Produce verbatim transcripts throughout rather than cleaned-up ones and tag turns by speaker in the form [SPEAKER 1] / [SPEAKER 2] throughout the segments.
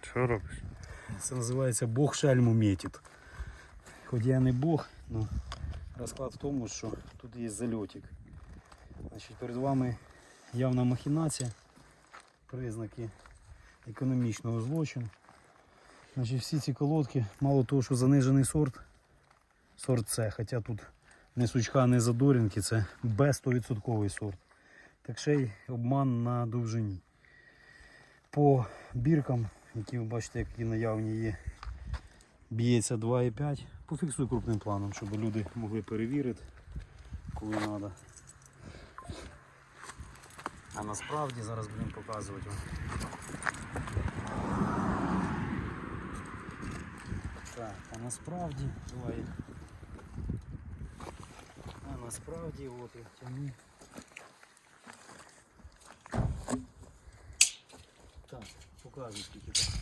[SPEAKER 1] Що робиш?
[SPEAKER 2] Це називається Бог шельму метить. Хоч я не Бог, але розклад в тому, що тут є зальотик. Значить, перед вами явна махінація, признаки економічного злочину. Значить, всі ці колодки, мало того, що занижений сорт, сорт С, хоча тут не сучка, не задорінки, це Б сто відсотків сорт. Так ще й обман на довжині. По біркам, які ви бачите, які наявні є, б'ється два і п'ять. Пофіксуй крупним планом, щоб люди могли перевірити, коли треба. А насправді зараз будемо показувати вам. Так, а насправді, давай. А насправді, от я тягну. Так, показуй скільки там.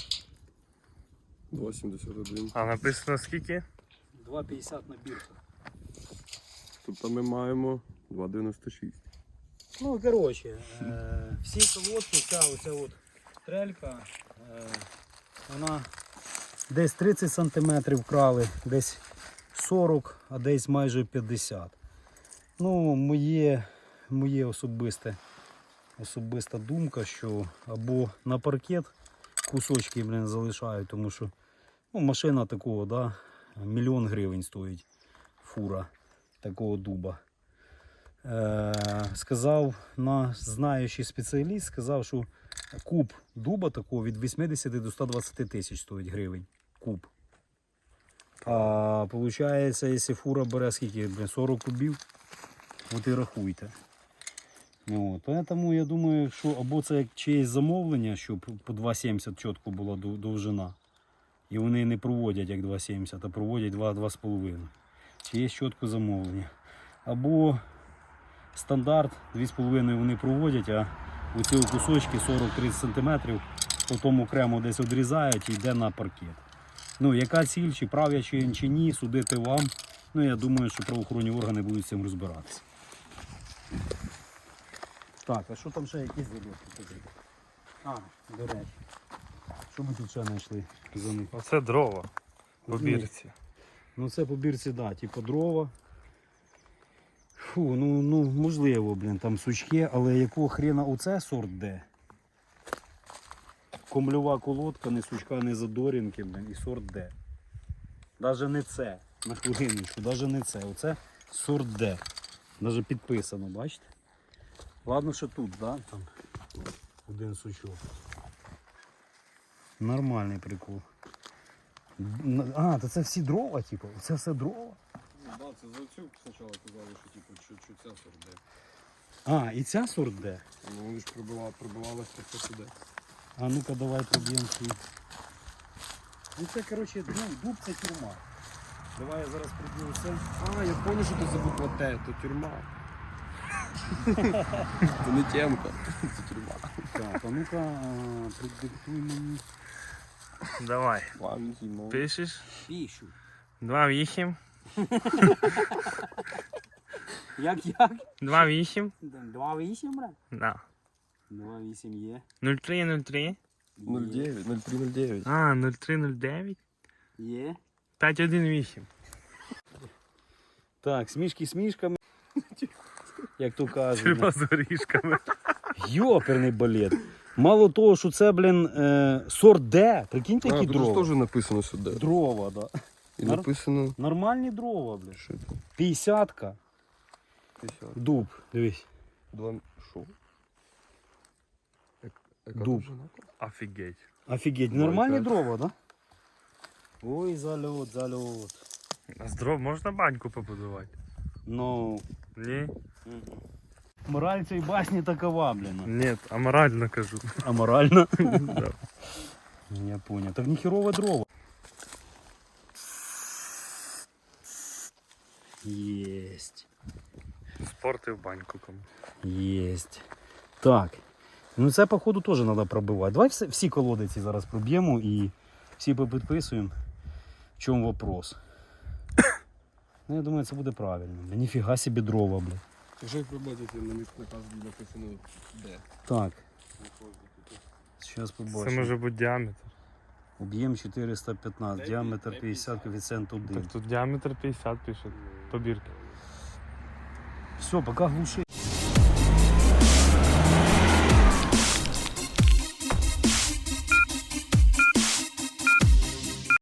[SPEAKER 3] два сімдесят один.
[SPEAKER 1] А написано скільки?
[SPEAKER 2] два п'ятдесят на бірках.
[SPEAKER 3] Тобто ми маємо два дев'яносто шість.
[SPEAKER 2] Ну, коротше, е, всі колодки, ця оця от трелька, е, вона десь тридцять сантиметрів вкрали, десь сорок, а десь майже п'ятдесят. Ну, моє, моє особисте, особиста думка, що або на паркет кусочки, блін, залишають, тому що ну, машина такого, да, мільйон гривень стоїть фура такого дуба. Е, сказав на знаючий спеціаліст, сказав, що куб дуба такого від вісімдесят до ста двадцяти тисяч стоїть гривень. Куб. А виходить, якщо фура бере скільки, блін, сорок кубів, от і рахуйте. От. Тому я думаю, що або це як чиєсь замовлення, щоб по два сімдесят чітко була довжина. І вони не проводять як два сімдесят, а проводять два-два з половиною. Чи є чітко замовлення. Або стандарт дві з половиною вони проводять, а у ці кусочки сорок-тридцять сантиметрів потім окремо десь відрізають і йде на паркет. Ну, яка ціль, чи правя, чи, чи ні, судити вам. Ну, я думаю, що правоохоронні органи будуть з цим розбиратися. Так, а що там ще якісь залітки? А, до речі. Що ми тут ще знайшли за них?
[SPEAKER 1] Оце дрова по бірці.
[SPEAKER 2] Ну це по бірці, да, типу дрова. Фу, ну, ну можливо, блін, там сучки, але якого хрена оце сорт Д? Комльова колодка, не сучка, не задорінки, блін, і сорт Д. Даже не це, на хвилиночку, даже не це. Оце сорт Д. Даже підписано, бачите? Ладно, що тут, да, там один сучок. Нормальний прикол. А, то це всі дрова, типу? Це все дрова?
[SPEAKER 3] Ну так, да, це за цю спочатку казали, що, типу, що, що ця сорт Д.
[SPEAKER 2] А, і ця сорт Д?
[SPEAKER 3] Ну вони ж прибивали, прибивалися так сюди.
[SPEAKER 2] А ну-ка давай проб'ємо свій. Ну це, коротше, ну, дуб це тюрма. Давай я зараз приб'ю це.
[SPEAKER 3] А, я зрозумів, що це за буква Т, то тюрма. Це не темка, це тюрма.
[SPEAKER 2] Так, а ну-ка продиктуй мені.
[SPEAKER 1] Давай.
[SPEAKER 3] Пам'ять, ну.
[SPEAKER 1] Пишеш?
[SPEAKER 2] Пішу.
[SPEAKER 1] два вісім.
[SPEAKER 2] Як, як?
[SPEAKER 1] два вісім.
[SPEAKER 2] два вісім, брат?
[SPEAKER 1] Да.
[SPEAKER 2] два вісім є.
[SPEAKER 1] нуль три нуль три.
[SPEAKER 3] нуль дев'ять, нуль три нуль дев'ять.
[SPEAKER 1] А, нуль три нуль дев'ять.
[SPEAKER 2] Є.
[SPEAKER 1] п'ять один вісім.
[SPEAKER 2] Так, смішки смішками. Як то кажуть.
[SPEAKER 1] Тюрма з горішками.
[SPEAKER 2] Йоперний балет. Мало того, що це, блін, е, сорт Д. Прикиньте, які
[SPEAKER 3] А, тут
[SPEAKER 2] дрова.
[SPEAKER 3] ж теж написано сюди.
[SPEAKER 2] Дрова, да.
[SPEAKER 3] І
[SPEAKER 2] Нар-
[SPEAKER 3] написано...
[SPEAKER 2] Нормальні дрова, блін.
[SPEAKER 3] Що це?
[SPEAKER 2] П'ятдесятка.
[SPEAKER 3] п'ятдесят.
[SPEAKER 2] Дуб, дивись.
[SPEAKER 3] Два... Що? Як- яка
[SPEAKER 2] Дуб.
[SPEAKER 3] довжина?
[SPEAKER 1] Офігеть.
[SPEAKER 2] Офігеть,
[SPEAKER 3] Два і
[SPEAKER 2] нормальні
[SPEAKER 3] п'ять.
[SPEAKER 2] дрова, да? Ой, зальот, зальот.
[SPEAKER 1] А з дров можна баньку побудувати?
[SPEAKER 2] Ну.
[SPEAKER 1] Ні?
[SPEAKER 2] Мораль цієї басні такова, блін.
[SPEAKER 1] Ні, аморально кажу.
[SPEAKER 2] Аморально?
[SPEAKER 1] Да.
[SPEAKER 2] Я понял. Так ніхерове дрова. Єсть.
[SPEAKER 1] Спорти в баньку кому.
[SPEAKER 2] Єсть. Так. Ну це походу теж треба пробивати. Давай всі, всі колодиці зараз проб'ємо і всі попідписуємо. В чому вопрос. Ну я думаю, це буде правильно. Бля, ніфіга собі дрова, бля.
[SPEAKER 3] Якщо як ви бачите, на місці наказу написано Д.
[SPEAKER 2] Так. Зараз
[SPEAKER 1] Це
[SPEAKER 2] побачимо.
[SPEAKER 1] може бути діаметр.
[SPEAKER 2] Об'єм чотириста п'ятнадцять, діаметр п'ятдесят, коефіцієнт один.
[SPEAKER 1] Так тут діаметр п'ятдесят пишет. Побірки.
[SPEAKER 2] Все, пока глуши.